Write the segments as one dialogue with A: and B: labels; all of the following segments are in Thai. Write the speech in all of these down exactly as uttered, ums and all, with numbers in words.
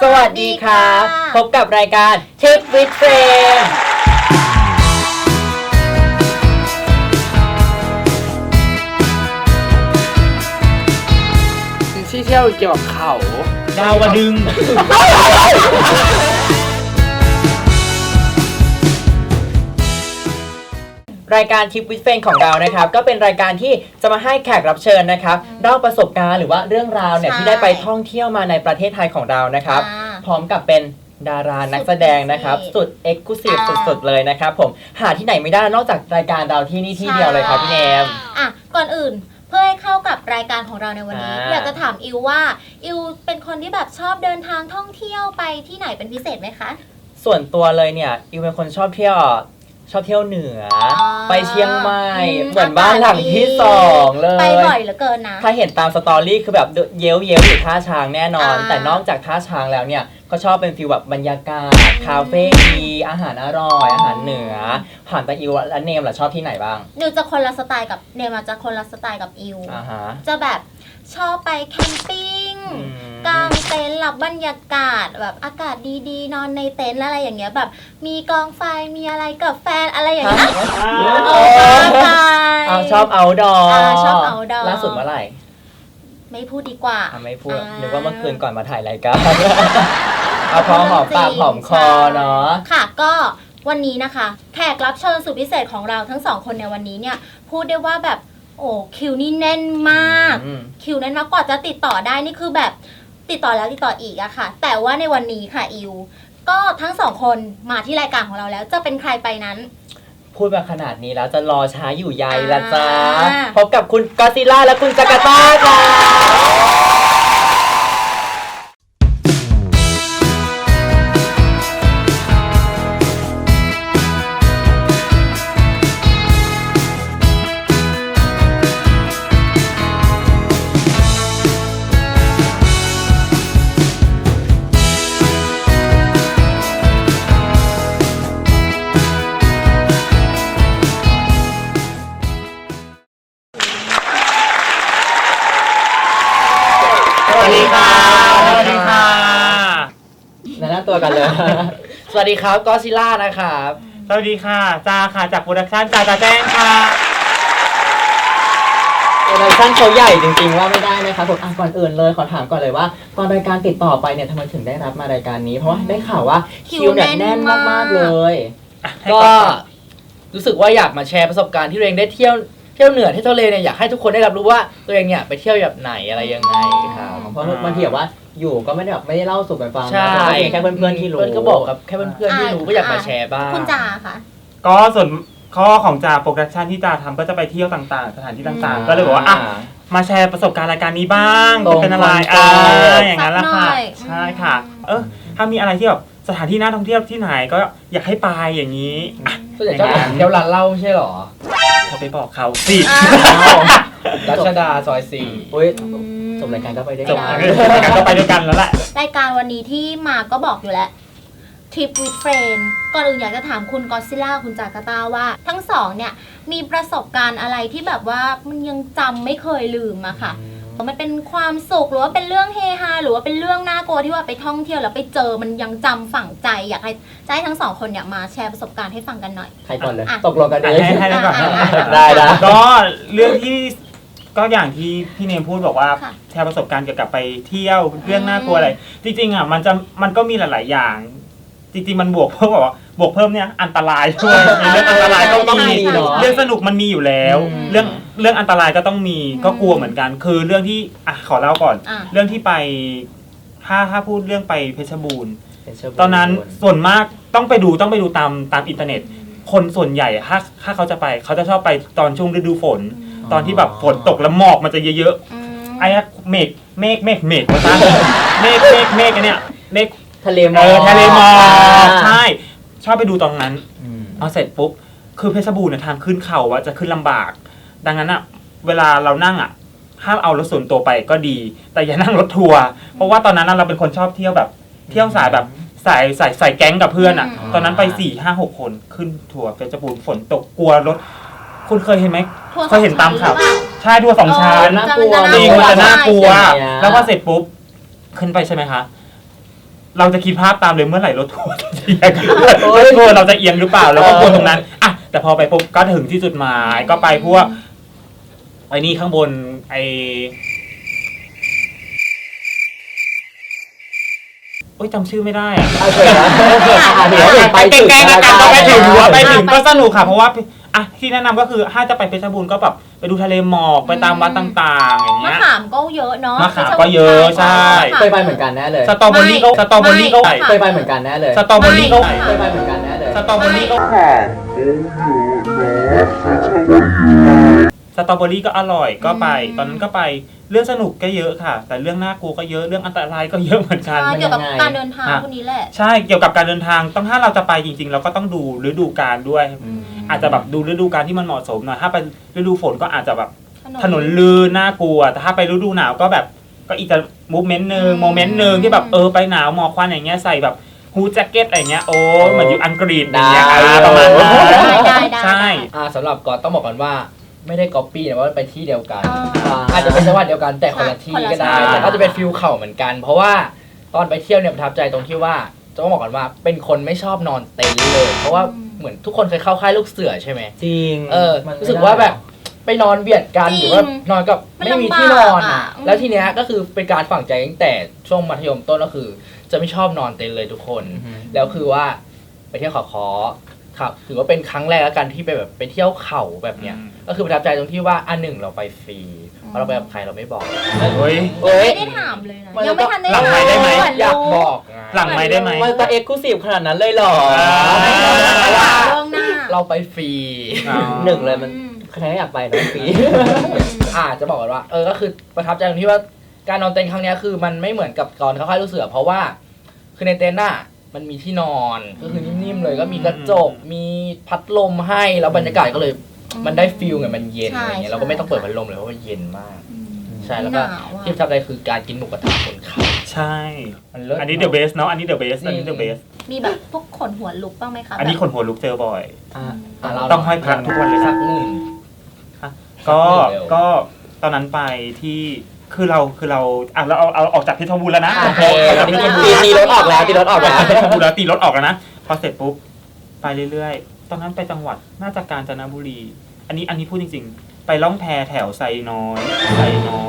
A: สวัสดีครับพบกับรายการ Tip with Friends
B: ที่เที่ยวเกี่ยวกับเขา
A: ดาวดึง รายการ Tip with Friends ของเรานะครับก็เป็นรายการที่จะมาให้แขกรับเชิญนะครับเล่าประสบการณ์หรือว่าเรื่องราวเนี่ยที่ได้ไปท่องเที่ยวมาในประเทศไทยของเรานะครับพร้อมกับเป็นดารานักแสดงนะครับสุดเอ็กซ์คลูซีฟสุดๆเลยนะครับผมหาที่ไหนไม่ได้นอกจากรายการเราที่นี่ที่เดียวเลยครับพี่เนม
C: อ่ะก่อนอื่นเพื่อให้เข้ากับรายการของเราในวันนี้อยากจะถามอิวว่าอิวเป็นคนที่แบบชอบเดินทางท่องเที่ยวไปที่ไหนเป็นพิเศษไหมคะ
A: ส่วนตัวเลยเนี่ยอิวเป็นคนชอบเที่ยวชอบเที่ยวเหนือไปเชียงใหม่เหมือนบ้านหลังที่สองเลย
C: ไปบ่อยเหลือเกินนะ
A: ถ้าเห็นตามสตอรี่คือแบบเย้ยวเย้ยวอยู่ท่าช้างแน่นอนแต่นอกจากท่าช้างแล้วเนี่ยก็ชอบเป็นฟีลแบบบรรยากาศคาเฟ่ดีอาหารอร่อยอาหารเหนือผ่านไปอิวและเนมล่ะชอบที่ไหนบ้าง
C: นิวจะคนละสไตล์กับเนมจะคนละสไตล์กับอิวจะแบบชอบไปแคมปิ้งกางเต็นท์หลับบรรยากาศแบบอากาศดีๆนอนในเต็นท์อะไรอย่างเงี้ยแบบมีกองไฟมีอะไรกับแฟนอะไรอย่างเงี้ย
A: เอาชอบเอาดอ
C: ชอบเอาดอ
A: ล่าสุดเมื่อไหร่
C: ไม่พูดดีกว่า
A: ไม่พูดนึกว่าเมื่อคืนก่อนมาถ่ายรายการเอาพอหอมปากหอมคอเนาะ
C: ค่ะก็วันนี้นะคะแขกรับเชิญสุดพิเศษของเราทั้งสองคนในวันนี้เนี่ยพูดได้ว่าแบบโอ้คิวนี่แน่นมากคิวแน่นมากกว่าจะติดต่อได้นี่คือแบบติดต่อแล้วติดต่ออีกอะค่ะแต่ว่าในวันนี้ค่ะอิวก็ทั้งสองคนมาที่รายการของเราแล้วจะเป็นใครไปนั้น
A: พูดมาขนาดนี้แล้วจะรอช้าอยู่ใยละจ้าพบกับคุณก็อดซิลล่าและคุณจาการ์ตาค่ะสวัสดีค่ะสวัสดีค่ะแนะนำตัวกันเลยสวัสดีครับก็อดซิลล่านะครับ
B: สวัสดีค่ะจ้าค่ะจากโปรดักชั่นจ้าจ้าแจ้งค่ะ
A: โปรดักชั่นเขาใหญ่จริงๆว่าไม่ได้นะครับผมอ่ะก่อนอื่นเลยขอถามก่อนเลยว่าตอนรายการติดต่อไปเนี่ยทำไมถึงได้รับมารายการนี้เพราะว่าได้ข่าวว่าคิวเนี่ยแน่นมากๆเลยก็รู้สึกว่าอยากมาแชร์ประสบการณ์ที่ตัวเองได้เที่ยวเที่ยวเหนือที่ทะเลเนี่ยอยากให้ทุกคนได้รับรู้ว่าตัวเองเนี่ยไปเที่ยวแบบไหนอะไรยังไงครับเพราะบางทีแบบว่าอยู่ก็ไม่ได้แบบไม่ได้เล่าสู่กันฟังนะแค่เพื่อนๆที่รู้ก็บอกกับแค่เพื่อนๆที่รู้ก็อยากมาแชร์บ้าง
C: คุณจ่าค่ะ
B: ก็ส่วนข้อของจ่าโปรดักชั่นที่จ่าทำก็จะไปเที่ยวต่างๆสถานที่ต่างๆก็เลยบอกว่าอ่ะมาแชร์ประสบการณ์รายการนี้บ้างเป็นอะไรอ่าอย่างนั้นละค่ะใช่ค่ะเออถ้ามีอะไรที่แบบสถานที่น่าท่องเที่ยวที่ไหนก็อยากให้ไปอย่างนี้
A: ส่วนใหญ่ก็เที่ยวร้านเหล้าใช่หรอ
B: เขาไปบอกเขาสิ
A: รัชดาซอยสี่อุ้ยจบรายการก็ไปด้วยกัน
B: ก็ไปด้วยกันแล้วแหละ
C: รายการวันนี้ที่มาก็บอกอยู่แล้ว Trip with Friends ก่อนอื่นอยากจะถามคุณก็อดซิลล่าคุณจาการ์ตาว่าทั้งสองเนี่ยมีประสบการณ์อะไรที่แบบว่ามันยังจำไม่เคยลืมอะค่ะมันเป็นความสุขหรือว่าเป็นเรื่องเฮฮาหรือว่าเป็นเรื่องน่ากลัวที่ว่าไปท่องเที่ยวแล้วไปเจอมันยังจำฝังใจอยากให้จะให้ทั้งสองคนเนี่ยมาแชร์ประสบการณ์ให้ฟังกันหน่อย
A: ใครก่อนเลยตกลงกันเลย
B: ให้ให้ก่อน
A: ได้ได้
B: ก็เรื่องที่ก็อย่างที่พี่เนมพูดบอกว่าแชร์ประสบการณ์เกี่ยวกับไปเที่ยวเรื่องน่ากลัวอะไรจริงๆอ่ะมันจะมันก็มีหลายๆอย่างจริงๆมันบวกเพิ่มบอกว่าบวกเพิ่มเนี่ยอันตรายด้วยเรื่องอันตรายก็ต้องมีเรื่องสนุกมันมีอยู่แล้วเรื่องเรื่องอันตรายก็ต้องมีก็กลัวเหมือนกันคือเรื่องที่อ่ะขอเล่าก่อนเรื่องที่ไปถ้าถ้าพูดเรื่องไปเพชรบูรณ์ตอนนั้นส่วนมากต้องไปดูต้องไปดูตามตามอินเทอร์เน็ตคนส่วนใหญ่ถ้าถ้าเขาจะไปเขาจะชอบไปตอนช่วงฤดูฝนตอนที่แบบฝนตกแล้วหมอกมันจะเยอะๆไอ้เมฆเมฆเมฆเมฆมาตั้งเมฆเมฆเมฆอันเนี้ยเมฆ
A: ทะเลหมอก
B: ทะเลหมอกใช่ชอบไปดูตอนนั้นเอาเสร็จปุ๊บคือเพชรบูรณ์เนี่ยทางขึ้นเขาว่าจะขึ้นลำบากดังนั้นอ่ะเวลาเรานั่งอ่ะห้ามเอารถส่วนตัวไปก็ดีแต่อย่านั่งรถทัวร์เพราะว่าตอนนั้นเราเป็นคนชอบเที่ยวแบบเที่ยวสายแบบสายสายสายแก๊งกับเพื่อนอ่ะตอนนั้นไปสี่ห้าหกคนขึ้นทัวร์เพชรบูรณ์ฝนตกกลัวรถคุณเคยเห็นไหมเคยเห็นตามข่าวใช่ทัวร์สองชั้น
A: น่ากลัว
B: จริงมันจะน่ากลัวแล้วพอเสร็จปุ๊บขึ้นไปใช่ไหมคะเราจะคิดภาพตามเลยเมื่อไหร่รถทัวร์จะเอียงรถทัวร์เราจะเอียงหรือเปล่าแล้วก็กลัวตรงนั้นอ่ะแต่พอไปปุ๊บก็ถึงที่จุดหมายก็ไปพวกไอ้นี่ข้างบนไอโอ้ยจำชื่อไม่ได้อะ
A: เอาเถอะนะอ่ะถือว่าเป็นไป
B: ไป
A: ถึง
B: แกล้งๆ
A: นะ
B: กันก็ไปถึงหัวไปถึง
C: ไป
B: ก็สนุกค่ะเพราะว่าอ่ะที่แนะนำก็คือถ้าจะไปเพชรบูรณ์ก็แบบไปดูทะเลหมอกไปตามวัดต่างๆอย่าง
C: มะ
B: เงี้ย
C: ขามก็เยอะเนาะ
B: มะขามก็เยอะใช่
A: เคยไปเหมือนกันแน่เลย
B: สตรอเบอรี่ก็สตรอเบอรี่ก็
C: ไม่
A: เคยไปเหมือนกันแน่เลย
B: สตรอเบอรี่ก็
A: เคยไปเหมือนกันแน่เลย
B: สตรอเบอรี่ก็สตรอเบอรี่ก็อร่อยก็ไป ตอนนั้นก็ไปเรื่องสนุกก็เยอะค่ะ แต่เรื่องน่ากลัวก็เยอะเรื่องอันตรายก็เยอะเหมือนกัน
C: ใช่เกี่ยวกับการเดินทางพวกนี้แหละ
B: ใช่เกี่ยวกับการเดินทางต้องถ้าเราจะไปจริง ๆ เราก็ต้องดูฤดูกาลด้วย
A: อืม
B: อาจจะแบบดูฤดูกาลที่มันเหมาะสมหน่อยถ้าไปฤดูฝนก็อาจจะแบบถนนลื่นน่ากลัวแต่ถ้าไปฤดูหนาวก็แบบก็อีกจะมูฟเมนต์หนึ่งโมเมนต์หนึ่งที่แบบเออไปหนาวหมอกควันอย่างเงี้ยใส่แบบฮูดแจ็คเก็ตอะไรเงี้ยโอ้เหมือนอยู่อังกฤษอย่างเงี้ย
A: ได้
B: อ่าประมาณนั้น
C: ได้ได้ได้
B: ใช่
D: อ่าสำหรับก่อนต้องบอกก่อนว่าไม่ได้ก๊อปปี้นะว่าไปที่เดียวกัน
C: อ่า
D: อาจจะเป็นจังหวัดเดียวกันแต่คนละที่ก็ได้
B: คนละที่
D: แต่ก็จะเป็นฟิลเข่าเหมือนกัน เพราะว่าตอนไปเที่ยวเนี่ยประทับใจตรงที่ว่าต้องบอกก่อนว่าเป็นคนไม่ชอบนอนเต็นท์เลย เพราะว่าเหมือนทุกคนเคยเข้าค่ายลูกเสือใช่ไหม
A: จริง
D: เออ
A: มันไม่
D: รู้สึกว่าแบบไปนอนเบียดกัน
C: จริง
D: หรือว่านอนกับ
C: มัน
D: ไม่มี
C: ลำบาก
D: ที่นอน
C: อ่ะ
D: อ่ะ
C: อืม
D: แล้วทีเนี้ยก็คือเป็นการฝังใจตั้งแต่ช่วงมัธยมต้นก็คือ จะไม่ชอบนอนเต็นท์เลยทุกคน
A: อือฮึ
D: แล้วคือว่าไปเที่ยวเขาคอครับถือว่าเป็นครั้งแรกแล้วกันที่ไปแบบไปเที่ยวเขาแบบเนี้ย
B: อืม
D: ก็คือประทับใจตรงที่ว่าอันหนึ่งเราไปฟรีเพราะเราไปกับใครเราไม่บอก
B: เฮ้ย
D: เอ้ย
C: ไม่ได้ถามเลยนะ
D: มัน
C: ยังไม่ทันได้
B: หลังไมค์ได้ไหม
C: ถาม
D: อยากบอกไง
B: หลังไม่ได้ไหม
A: มันจะเอ็กซ์คลูซีฟขนาดนั้นเลยเหรอ
B: อ่า
C: เรื่องหน้า
D: เราไปฟรี
B: อ๋อ
A: หนึ่งเลยมัน
C: อืม
A: ใครก็อยากไปนะฟรี
D: อ่าจะบอกก่อนว่าเออก็คือประทับใจตรงที่ว่าการนอนเต็นท์ครั้งเนี้ยคือมันไม่เหมือนกับตอนเข้าค่ายลูกเสือเพราะว่าคือในเต็นท์น่ะมันมีที่นอนก็คือนิ่มๆเลยก็มีกระจกมีพัดลมให้แล้วบรรยากาศก็เลยมันได้ฟิลไงมันเย็นอะไรเงี้ยเราก็ไม่ต้องเปิดพัดลมเลยเพราะว่าเย็นมาก ใช่แล้วก็
C: หนาวอะ
D: ที่ประทับใจคือการกินหมูกระทะบนเขา
B: ใช่
D: มันเลิศ
B: อันนี้เดอะเบสเนาะอันนี้เดอะเบสอันนี้เดอะเบส
C: มีแบบพวกขนหัวลุกบ้างไหมคะ
B: อันนี้
C: แบบ
B: คนหัวลุกเจอบ่อย
A: อ่ะ
D: อ่ะเรา
B: ต้องห้อยพระทุกวันเลย
D: สักหนึ่ง
B: ก็
D: เร็ว
B: ก็ตอนนั้นไปที่คือเราคือเราอ่ะเราเอาเอาออกจากเพชรบูรณ์แล้วนะ
A: โอเค
B: จากเพชรบูร
A: ตี
B: ณ์
A: ตีรถออกแล้วตีรถออกแล้ว
B: เพชรบูรณ์แล้วตีรถออกแล้วนะพอเสร็จปุ๊บไปเรื่อยๆตอนนั้นไปจังหวัดน่าจะกาญจนบุรี อันนี้อันนี้พูดจริงๆ ไปล่องแพแถวไซน้อยไซน้อย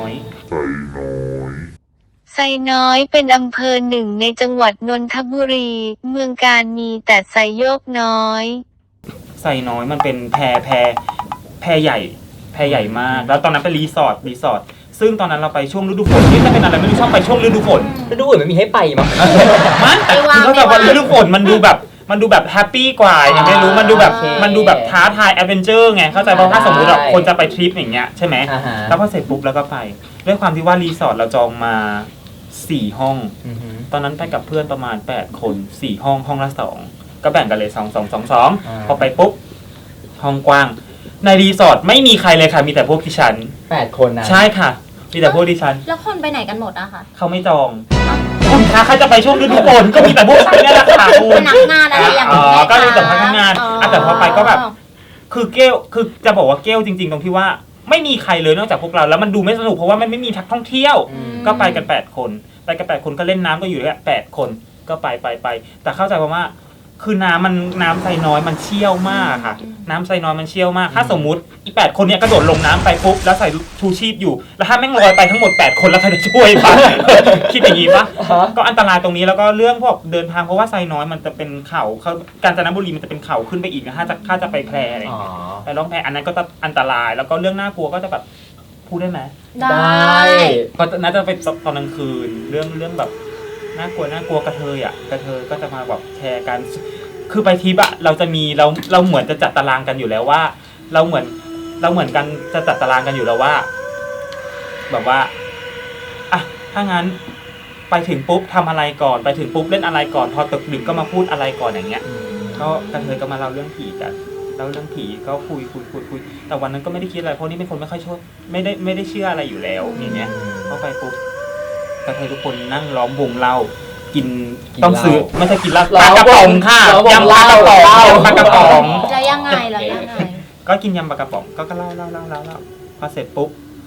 E: ไซน้อยเป็นอำเภอหนึ่งในจังหวัดนนทบุรี เมืองการมีแต่ไซโยกน้อย
B: ไซน้อยมันเป็นแพแพแพใหญ่แพใหญ่มาก แล้วตอนนั้นเป็นรีสอร์ทรีสอร์ทซึ่งตอนนั้นเราไปช่วงฤดูฝนนี่จะเป็นอะไรไม่รู้ชอบไปช่วงฤดูฝน
A: แล้วดูอื่นไม่มีให้ไปมั้ง
B: มันแต่คือเขาแบบว่าฤดูฝนมันดูแบบมันดูแบบแฮปปี้กว่ายังไม่รู้มันดูแบบ
A: โอเค
B: มันดูแบบท้าทายแอดเวนเจอร์ไงเข้าใจเพราะถ้าสมมติแบบ
A: ใช่
B: คนจะไปทริปอย่างเงี้ยใช่ไหม
A: อ่าฮะ
B: แล้วพอเสร็จปุ๊บแล้วก็ไป ด้วยความที่ว่ารีสอร์ทเราจองมาสี่ห้อง
A: อือฮึ
B: ตอนนั้นไปกับเพื่อนประมาณแปดคนสี่ห้องห้องละสองก็แบ่งกันเลยสองสองสองสอง
A: อ่า
B: พอไปปุ๊บห้องกว้าง ในรีสอร์ทไม่มีใครเลยค่ะมีแต่พวกดิฉัน
A: แปดคนนะ
B: ใช่ค่ะ มีแต่พวกดิฉัน
C: แล้วคนไปไหนกันหมดอะคะ
B: เขาไม่จองคุณคะเขาจะไปช่วงฤดูฝนก็มีแต่พวกฉันเนี่ยแหละค่ะคุ
C: พ
B: ณ
C: นักงานอะไรอย่าง
B: อ๋
C: เงี้
B: อย ก็เลยแต่พนักงาน
C: อ๋อ
B: อ่ะแต่พอไปก็แบบ คือเกลคือจะบอกว่าเกลจริง ๆ ตรงที่ว่าไม่มีใครเลยนอกจากพวกเราแล้วมันดูไม่สนุกเพราะว่ามันไม่มีทักท่องเที่ยว
A: อืม
B: ก็ไปกันแปดคนไปกันแปดคนก็เล่นน้ำก็อยู่แค่แปดคนก็ไปไปไปแต่เข้าใจว่าคือน้ำมันน้ำไซน้อยมันเชี่ยวมากค่ะ น้ำไซน้อยมันเชี่ยวมาก ถ้าสมมุติอีแปดคนเนี้ยกระโดดลงน้ำไปปุ๊บแล้วใส่ชูชีพอยู่แล้วถ้าแม่งลอยไปทั้งหมดแปดคนแล้วใครจะช่วยปะ คิดอย่างนี้ปะ
A: อ่าฮะ
B: ก็อันตรายตรงนี้แล้วก็เรื่องพวกเดินทางเพราะว่าไซน้อยมันจะเป็นเขาเขากาญจนบุรีมันจะเป็นเขาขึ้นไปอีกนะถ้าจะถ้าจะไปแพร่อะไรอย่าง
A: อ๋อ
B: เงี้ยไปล่องแพอันนั้นก็จะอันตรายแล้วก็เรื่องน่ากลัวก็จะแบบพูดได้ไหม
C: ได้
A: ได้
B: ก็น่าจะเป็นตอนกลางคืนเรื่องเรื่องแบบน่ากลัวน่ากลัวกระเทยอ่ะกระเทยก็จะมาแบบแชร์กันคือไปทริปอะเราจะมีเราเราเหมือนจะจัดตารางกันอยู่แล้วว่า เราเหมือนเราเหมือนกันจะจัดตารางกันอยู่แล้วว่า แบบว่าอ่ะถ้างั้นไปถึงปุ๊บทำอะไรก่อนไปถึงปุ๊บเล่นอะไรก่อนพอตกดึกก็มาพูดอะไรก่อนอย่างเงี้ย ก็กระเทยก็มาเล่าเรื่องผีกันเล่าเรื่องผีก็คุยคุยคุยคุยแต่วันนั้นก็ไม่ได้คิดอะไรเพราะนี่เป็นคนไม่ค่อยชอบไม่ได้ไม่ได้เชื่ออะไรอยู่แล้วอย่างเงี้ยเข้าไปปุ๊บกระเทยทุกคนนั่งล้อมวงเล่ากิน
D: กิน
B: ต้องซื้อ
D: เหล้า
B: ไม่ใช่กินเหล้า
A: ล้
B: ป
A: อ
B: ลาม กระป๋องค่ะ
A: ล้อมวง
B: ยำปลากระป๋อง
A: เหล้า
B: ยำปลากระป๋อง
C: แล้วยังไงแล้วยังไง
B: ก็กินยำปลากระป๋องก็ก็เล่าเล่าเล่าเล่าเล่าพอเสร็จปุ๊บ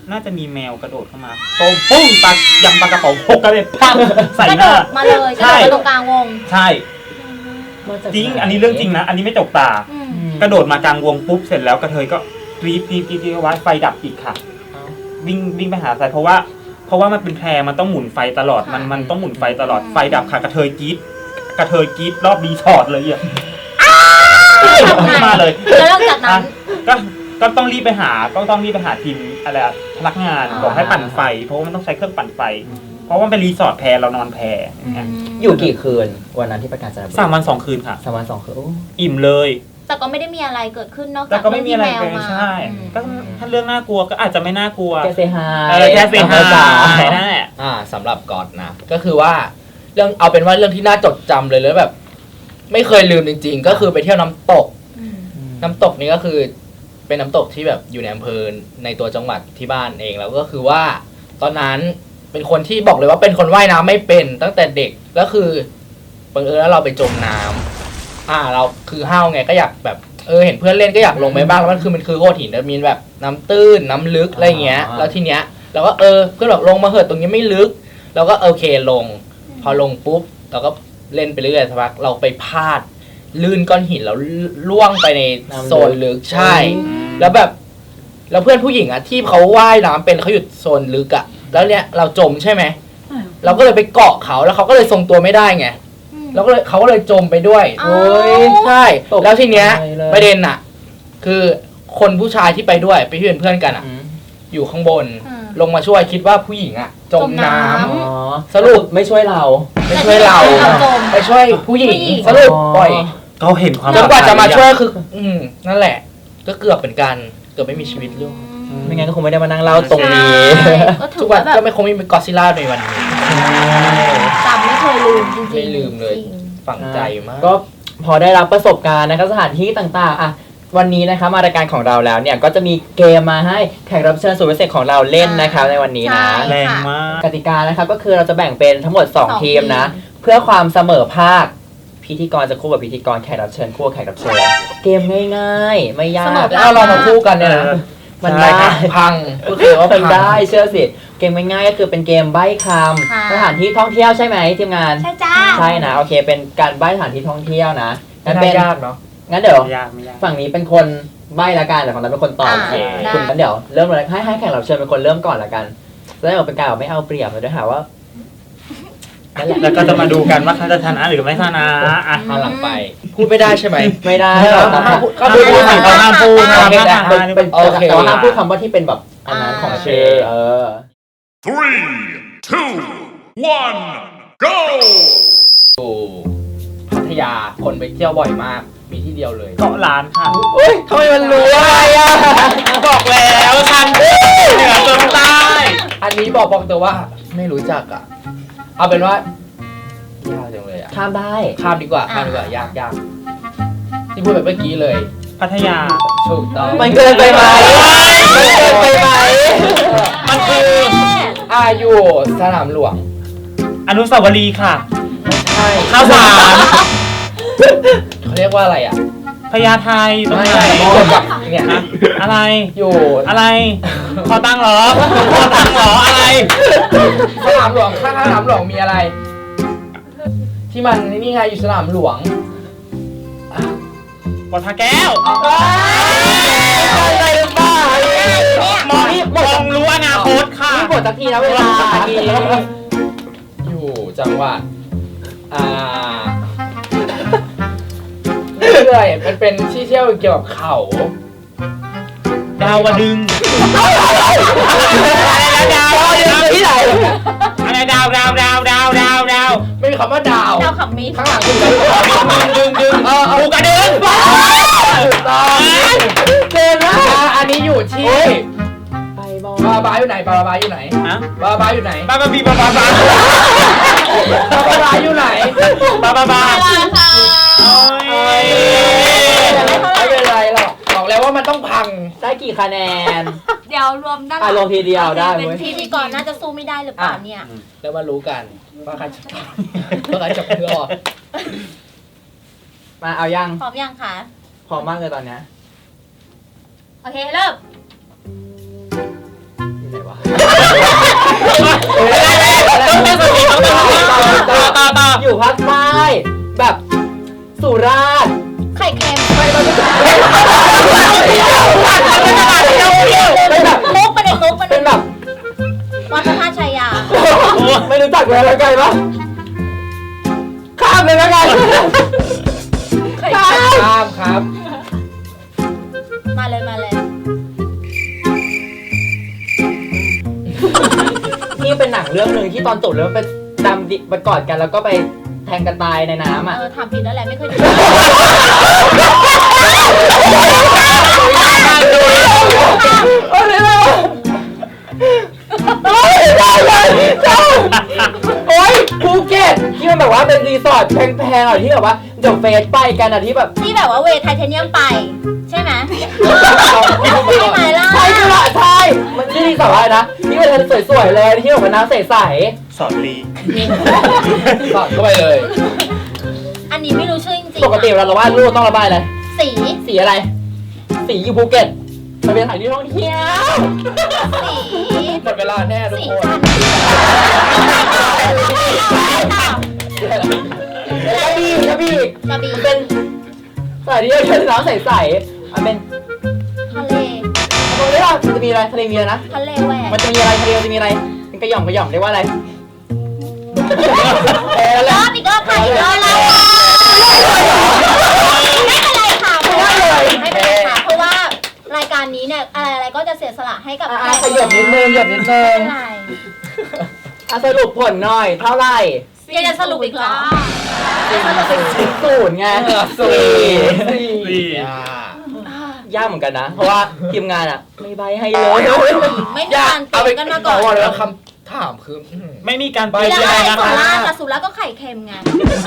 B: น่าจะมีแมวกระโดดเข้ามาโต้มปุ้งปลายำปลากระป๋องหกกระเด็นปั้งใส่
C: กระ
B: ห
C: โด
B: น้า
C: ดมาเลยกระ
B: ใช่
C: โดดมาตรงกลางวง
B: ใช่
A: มาจาก
B: จริง
A: ไห
B: อันนี้เรื่องจริงนะ อันนี้ไม่จกตา
C: อืม
A: อืม
B: กระโดดมากลางวงปุ๊บเสร็จแล้วกระเทยก็กรี๊ดกรี๊ดกรี๊ดกรี๊ดไว้ไฟดับอีกค่ะ
A: เอ้า
B: วิ่งวิ่งไปหาสายเพราะว่า เพราะว่ามันเป็นแพรมันต้องหมุนไฟตลอดมันมันต้องหมุนไฟตลอดไฟดับค่ะกระเทยกรี๊ดกระเทยกรี๊ดรอบรีสอร์ทเลยอ่ะมาเลย
C: แล้วหลังจากนั้น
B: ก็ก็ต้องรีบไปหาก็ต้องรีบไปหาทีมอะไรอะพนักงาน
C: อ่า
B: บอกให้ปั่นไฟ เพราะว่ามันต้องใช้เครื่องปั่นไฟ เพราะว่ามันเป็นรีสอร์ทแพรเรานอนแพรอย่างเงี้ย
A: อยู่กี่คืนวันนั้นที่ประกาศจันทบุรี
B: สามวันสองคืนค่ะ
A: สามวันสองคืนโอ้
B: อิ่มเลย
C: แต่ก็ไม่ได้มีอะไรเกิดขึ้นนอก
B: แต่
C: จาก
B: ก็ไม่มีอะไร
C: เรื่งที่แมว
B: เลย
C: มา
B: ใช่
C: อืม
B: ก็ถ้าเรื่องน่ากลัวก็อาจจะไม่น่ากลัว
A: แค่เซฮา
B: เออแค่เซฮา
A: จ๋า
B: นั่นแหละ
D: อ่าสำหรับก๊อตนะก็คือว่าเรื่องเอาเป็นว่าเรื่องที่น่าจดจำเลยแล้วแบบ ไม่เคยลืมจริง ๆ ก็คือไปเที่ยวน้ำตก
C: อืม
D: น้ำตกนี้ก็คือเป็นน้ำตกที่แบบอยู่ในอำเภอในตัวจังหวัดที่บ้านเองแล้วก็คือว่า ตอนนั้นเป็นคนที่บอกเลยว่าเป็นคนว่ายน้ำไม่เป็นตั้งแต่เด็กก็คือบังเอิญแล้วเราไปจมน้ำอ่า เราคือห้าวไงก็อยากแบบเออเห็นเพื่อนเล่นก็อยากลงไปบ้างแล้วมันคือมันคือโขดหินแล้วมีแบบน้ำตื้นน้ำลึกอะไรเงี้ย แล้วทีเนี้ยเราก็เออเพื่อนบอกลงมาเหอะตรงนี้ไม่ลึกเราก็โอเคลง พอลงปุ๊บเราก็เล่นไปเรื่อยๆสักพักเราไปพลาด ลื่นก้อนหินแล้วล่วงไปในโซนลึกใช่ แล้วแบบแล้วเพื่อนผู้หญิงอะที่เขาว่ายน้ำเป็นเขาอยู่โซนลึกอะแล้วเนี้ยเราจมใช่ไหมเราก็เลยไปเกาะเขาแล้วเขาก็เลยทรงตัวไม่ได้ไง
C: อืม
D: แล้วก็เลยเขาก็เลยจมไปด้วย
C: อ้าว
D: โอ้ยใช่
A: ตก
D: แล้วทีเนี้ย
A: ใจเลย
D: ประเด็นอะคือคนผู้ชายที่ไปด้วยไปที่เป็นเพื่อนกันอะ
A: อืม
D: อยู่ข้างบน
C: อืม
D: ลงมาช่วยคิดว่าผู้หญิงอะจมน้ำ
C: จมน้
A: อ๋อ
D: สรุป
A: ไม่ช่วยเรา
D: ไม่ช่วยเรา
C: เราจม
D: ไปช่วยผู้หญิง
C: ผู้หญิง
D: สรุปปล่อย
B: ก็เห็นความ
D: จนกว่าจะมาช่วย
B: ย
D: คือ อืมนั่นแหละ ก็เกือบเป็นการเกือบไม่มีชีวิตลูก
A: ไม่งั้นก็คงไม่ได้มานั่งเล่าตรงนี้
C: ใช่ก็ถื
D: ทุ
C: อก
D: วั
C: ว่าน แบบ
D: ก็ไม่คงไม่มีกอดซิลล่าในวันนี้
C: จำไม่เคยลืมจริงๆ
D: ไม่ลืมเลย
C: จริง
D: ฝังใจมาก
A: ก็พอได้รับประสบการณ์นะครับสถานที่ต่างๆอ่ะวันนี้นะคะมารายการของเราแล้วเนี่ยก็จะมีเกมมาให้แขกรับเชิญสุดพิเศษของเราเล่นนะครับในวันนี้นะ
C: ใช่
B: แรงมาก
A: กติกานะครับก็คือเราจะแบ่งเป็นทั้งหมด
C: สอง
A: 2 ทีมนะ
C: ทีม
A: เพื่อความเสมอภาคพิธีกรจะคู่กับพิธีกรแขกรับเชิญคู่กับแขกรับเชิญเกมง่ายๆ ไม่ยาก
D: แล้วเอาเรามาคู่กันเนี่ยนะ
A: มัน
D: ใช่
A: ได้
D: ครับพังก็คือว่าพั
A: มัน
D: ง
A: ได้เชื่อสิเกมง่ายๆก็คือเป็นเกมใบ้ค
C: ค่ะ
A: ำสถานที่ท่องเที่ยวใช่ไหมทีมงาน
C: ใช่จ้า
A: ใช่นะโอเคเป็นการใบ้สถานที่ท่องเที่ยวนะ
D: ไม่
A: งั้น
D: ได้
A: เป็น
D: ยากเนาะ
A: งั้นเดี๋ยว
B: ไม่ยากไม่ยาก
A: ฝั่งนี้เป็นคนใบ้ละกันแต่ฝั่งนั้นเป็นคนตอบ
C: อ่า
A: โอเค
C: ได้
A: คุณงั้นเดี๋ยวเริ่มเลยให้ให้แขกรับเชิญเป็นคนเริ่มก่อนละกันแล้วเดี๋ยวเป็นการแบบไม่เอาเปรียบเลยด้วยหาว่านั่นแหละ
B: แล้วก็จะมาดูกันว่าเขาจะชนะหรือไม่ชนะอ่ะ
D: หันหลังไป พูดไม่ได้ใช่ไหม
A: ไม่ได้
D: ไม่ได้
A: แต่
D: ห้ามพูด
B: ก็ดูดูสิเขาห้ามพูด
A: ห้า
B: ห้าม ม
A: พูด
B: ห้าม
A: เป็นเป็น
D: โอเค
A: แต่ว่าห้ามพูดคำว่าที่เป็นแบบอันนั้นของชื่อเออ
F: Three, two, one, go!
D: อยู่พัทยาคนไปเที่ยวบ่อยมาก มีที่เดียวเลย
B: เกาะล้านค่ะ
D: เฮ้ยทำไมมันรู้อะไรอ่ะ
B: บอกแล้วฉันเหนือจนใต้
D: อันนี้บอกบอกแต่ว่าไม่รู้จักอ่ะ เอาเป็นว่ายากจังเลยอ่ะ
A: ข้ามได้
D: ข้ามดีกว่าข้ามดีกว่ายากยากที่พูดแบบเมื่อกี้เลย
B: พัทยา
D: ถูกต้อง
A: มันเกินไปไหมมันเกินไปไหม
B: มันคือ
D: อาอยู่สนามหลวง
B: อนุสาวรีย์ค่ะ
D: ใช่
B: ข้าวสาร
D: เขาเรียกว่าอะไรอ่ะ
B: พญาไทตรง
D: ไม่
B: ไหน
D: เกี่ยวกับเนี่ย
B: อะอะไร
D: อยู่
B: อะไร ขอตังค์เหรอ ขอตังค์เหรอ อะไร
D: สนามหลวงข้างสนามหลวงมีอะไร ที่มันนี่ไงอยู่สนามหลวง
B: วัดพระแก้ว
A: อะไรหรือเปล่าม
B: องมองรู้อนาคตค่ะ
A: นี่หมดสักทีนะเวลาที
D: อยู่จังหวัดอ่าเรื่อยๆมันเป็นที่เที่ยวเกี่ยวกับเขา
B: ดาวดึง
A: ดาวที่ไหน
B: อะไรดาวดาวดาวดาวดาวดาว
D: ไม่มีคำว่าดาว
C: ดาวขับมิด
D: ข้างหลังคือ
B: ดึงดึง
D: เออเอ
B: ปู
D: อก
B: ระดึง
D: ถูกต้องเจนนะอันนี้อยู่ที่
A: ไปบอ
D: บาบาอยู่ไหนบาบาอยู่ไหน
B: ฮะ
D: บาบาอยู่ไหน
B: บ้าบ้าบีบ้าบ้าบ้า
D: บาบาอยู่ไหน
B: บ้าบ้าบ้า
C: ค่ะ
B: โอ้ย
D: ไม่เป็นไรหรอกบอกแล้วว่ามันต้องพัง
A: ได้กี่คะแนน
C: เดี๋ยวรวมด้านหลั
A: อ่ะรวมทีเดียวได้
C: เป็น
A: เว้ย
C: พิธีกรน่าจะสู้ไม่ได้หรือเปล่าเนี่ย
D: แล้วมารู้กันว่าใครจะว่าใครจะเพื่อ
A: มาเอายัง
C: พร้อมยังคะ
A: พร้อมมากเลยตอนเนี้ย
C: โอเคเริ่ม
A: อยู่ไหน
B: ต้องตั้งสติต้องตั้งสติต่อต่อต่อ
A: อยู่ภาคใต้แบบสุราษฎร์
C: ไข่เค็ม
A: ไม่ต้องเป็นแบบ
C: มุกประเด็นมุกประเด็
A: เป็น นแบบ
C: วัดพระธาตุชัยยา
A: ไม่รู้จักเลยแล้วไงปะข้ามเลยแล้วกัน ข้าม
D: ข้ามครับ
C: มาเลยมาเลย
A: นี่เป็นหนังเรื่องหนึ่งที่ตอนจบแล้วมันเป็นดำดิไปกอดกันแล้วก็ไปแทงกันตายในน้ำอ่ะ
C: เออถามผิดแล้วแหละไม่เคยดู
A: โอ้ยได้เลยโอ้ยภูเก็ตที่มันแบบว่าเป็นรีสอร์ทแพงๆอ่ะที่แบบว่าเดี๋ยวเฟสไปกันอ่ะที่แบบ
C: ที่แบบว่าเวทไทเทเนียมไป ใช่ไหมใช่ไหมล่ะ
A: ใช่ใช่ละใช่มันชื่อรีสอร์ทอะไรนะที่เป็นสวยๆเลยที่แบบว่าน้ำใส
B: สอนลี
D: สอดเข้าไปเลย
C: อันนี้ไม่รู้ชื่อจริง
A: ๆปกติเวลาเราวาดรูปต้องระบายอะไร
C: ๆสี
A: สีอะไร สีอยู่ภูเก็ตมันเป็นสถานที่ท่องเที่ยว
C: สี
D: หมดเวลาแน่ทุก
C: สี
D: คน
C: จันทร์
A: กระบี่กระบี่
C: กระบี่
A: มันเป็นสถานที่ท่องเที่ยวที่น้ำใสๆมันเป็น
C: ทะเล
A: ตรงนี้ล่ะมันจะมีอะไรทะเลมีอะไรนะ
C: ทะเลแหวก
A: มันจะมีอะไรทะเลมันจะมีอะไรเป็นกระหย่อมกระหย่อมเรียกว่าอะไรเออ
C: ร
A: แล้ว
C: อบอีกรอบค่ะอีกรอบแล้วไม่เป็นไรค่ะเพราะว่าไม่เป็นไรค่ะเพราะว่ารายการนี้เนี่ยอะไรอะไรก็จะเสียสละให้กับ
A: อ่ะขยับนิดนึงหยดนิดนึง
C: ไม่เป็นไร
A: อ่ะสรุปผลหน่อยเท่าไหร่
C: ยังจะสรุปอีกเหรอ
A: ศูนย์ไง
D: สี่
A: สี่
B: สี่
D: อ่าย
A: ากเหมือนกันนะ เพราะว่าทีมงานอ่ะ ไม่ใบให้เลย
C: ไม่มีการเตรียมกันมาก่อน
D: เอาแล้วคำถามคืออื้อหือ
B: ไม่มีการไป
C: แล้ว
B: อะไร
C: ไอ้
B: นะ
C: สุ
B: คะ
C: ราษฎร์กับสุราษฎร์ก็ไข่เค็มไง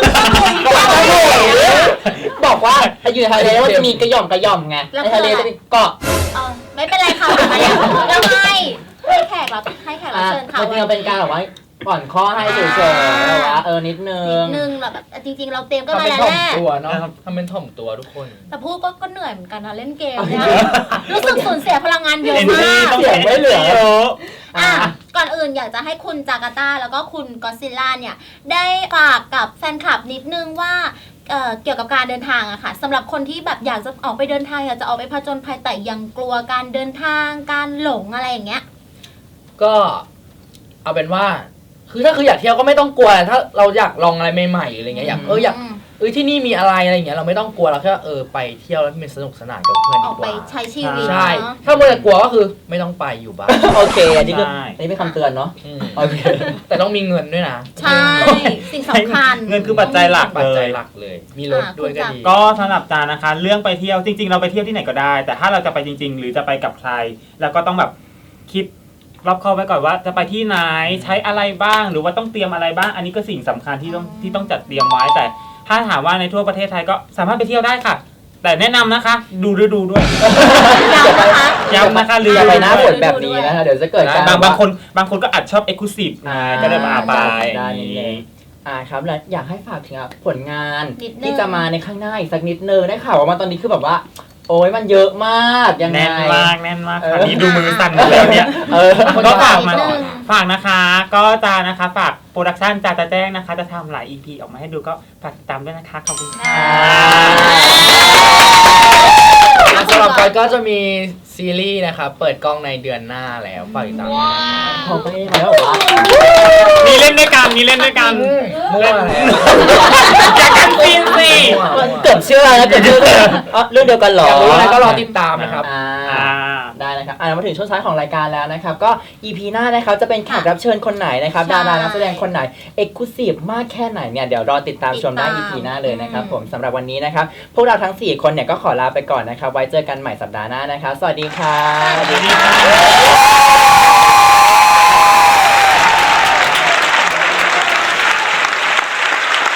A: บอกว่าอยู่ในทะเลว่าจะมีกระหย่อมกระหย่อมไงในทะเลจะมีเกาะ
C: เออไม่เป็นไรค่ะมาแล้วแล้วไงให้แขกรับให้แขกรับ
A: อ่ะ
C: เชิญค่ะ
A: มันจริงๆเป็นการแบบว่าก่อนข้อให้เฉยๆแบบว่าเออนิดนึ
C: นิ
A: ง
C: ดนึงแบบจริงๆ เราเตรียมก็
D: ทำ
C: มา
D: เป็น
C: แล้ว
D: ถ่อ
C: แห
D: ม
C: ละ
D: ตัวเนาะทำเป็นถ่อมตัวทุกคน
C: แต่พูดก็ก็เหนื่อยเหมือนกันนะเล่นเกมเนี่ยรู้สึกสูญเสียพลังงานเยอะ
B: เอ็น
C: มา
B: จี
C: ก
B: ต้อง
A: เสียงไม่เหลือ
B: เยอะ
C: อ่ะก่อนอื่นอยากจะให้คุณจาการ์ตาแล้วก็คุณกอซิลล่าเนี่ยได้ฝากกับแฟนคลับนิดนึงว่าเอ่อเกี่ยวกับการเดินทางอะค่ะสำหรับคนที่แบบอยากจะออกไปเดินทางอยากจะออกไปผจญภัยแต่ยังกลัวการเดินทางการหลงอะไรอย่างเงี้ย
D: ก็เอาเป็นว่า คือถ้าคืออยากเที่ยวก็ไม่ต้องกลัว ถ้าเราอยากลองอะไรใหม่ๆอะไรเงี้ยอยากเอออยากเออที่นี่มีอะไรอะไรเงี้ยเราไม่ต้องกลัวเราแค่เออไปเที่ยวแล้วมันสนุกสนานกับเพื่อน
C: อ
D: ดี
C: อก
D: ก
C: ไป
D: ว่า
C: ใช้ชีวิต
D: ใช่
C: เนาะ
D: ถ้ามัวแต่กลัวก็คือไม่ต้องไปอยู่บ้าน
A: โอเค อันนี้คือ
B: ใช่
A: อันนี้เป็นคำเตือนเนาะ
D: อืม
A: โอเค
D: แต่ต้องมีเงินด้วยนะ
C: ใช่ สิ่งสำคัญ
B: เงินคือปัจจัยหลัก
D: ปัจ
B: เล
D: จัย
B: ย
D: หลักเลย มีรถด้วยก็ดี
B: ก็สำหรับจานะคะ เรื่องไปเที่ยวจริง ๆ เราไปเที่ยวที่ไหนก็ได้ แต่ถ้าเราจะไปจริง ๆ หรือจะไปกับใคร แล้วก็ต้องแบบคิดรอบคอบไว้ก่อนว่าจะไปที่ไหนใช้อะไรบ้างหรือว่าต้องเตรียมอะไรบ้าง อันนี้ก็สิ่งสำคัญที่ต้องที่ต้องจัดเตรียมไว้แต่ถ้าถามว่าในทั่วประเทศไทยก็สามารถไปเที่ยวได้ค่ะ แต่แนะนำนะคะ ดูฤดูด้วย
C: ย้ำนะคะ
B: ย้ำนะคะ
A: อย่าไปหน้าฝน
C: ดู
A: แบบนี้นะคะเดี๋ยวจะเกิดการ
B: บางบางคนบางคนก็อาจชอบเอ็กซ์คลูซีฟ
A: อ่า
B: ก็เลยมาไป
A: ได้นิดนึงอ่าครับแล้วอยากให้ฝากถึงอ่ะผลงาน
C: นิดนึง
A: ที่จะมาในข้างหน้าอีกสักนิดนึงได้ข่าวว่ามาตอนนี้คือแบบว่า โอ้ยมันเยอะมากยังไง
B: แน่นมากแน่นมาก
A: เอ
B: ค่ะ
A: อ
B: นี่ดูมือสั่นหมดแล้วเนี่ย
A: เออ
B: ก็ฝากมา
C: นิดนึง
B: ฝากนะคะ ก็จะนะคะฝากโปรดักชันจาจะแจ้งนะคะ จะทำหลาย อี พี ออกมาให้ดูก็ฝากติดตามด้วยนะคะ ขอบคุณค่ะ
D: อ่ะสำหรับกอยก็จะมีซีรีส์นะครับเปิดกล้องในเดือนหน้าแล้วฝากติดตามด้วยนะ
A: พอไปไหมแล้วเหรอวะ
B: มีเล่นด้วยกัน มีเล่นด้วยกัน
D: มั่วแล้ว
B: อยากกันซีนสิ
A: มันเกือบเชื่อนะเกือบเชื่ออ๋อเรื่องเดียวกันเหรอ
D: อยากรู้อะไรก็รอติดตามนะครับ
A: อ่า
B: อ่า
A: ได้นะครับอ่ามาถึงช่วงท้ายของรายการแล้วนะครับ ก็ อี พี หน้านะครับจะเป็นแขกรับเชิญคนไหนนะครับ
C: ใช่
A: ดารานักแสดงคนไหนเอกลุศิฟมากแค่ไหนเนี่ยเดี๋ยวรอติดตามชมได้
C: ติ
A: อี
C: ดตาม
A: พี หน้าเลยนะครับ
C: อืม
A: ผมสำหรับวันนี้นะครับ พวกเราทั้ง สี่ คนเนี่ยก็ขอลาไปก่อนนะครับ ไว้เจอกันใหม่สัปดาห์หน้านะครับ สวัสดีครับ
C: สวัสดีค่ะ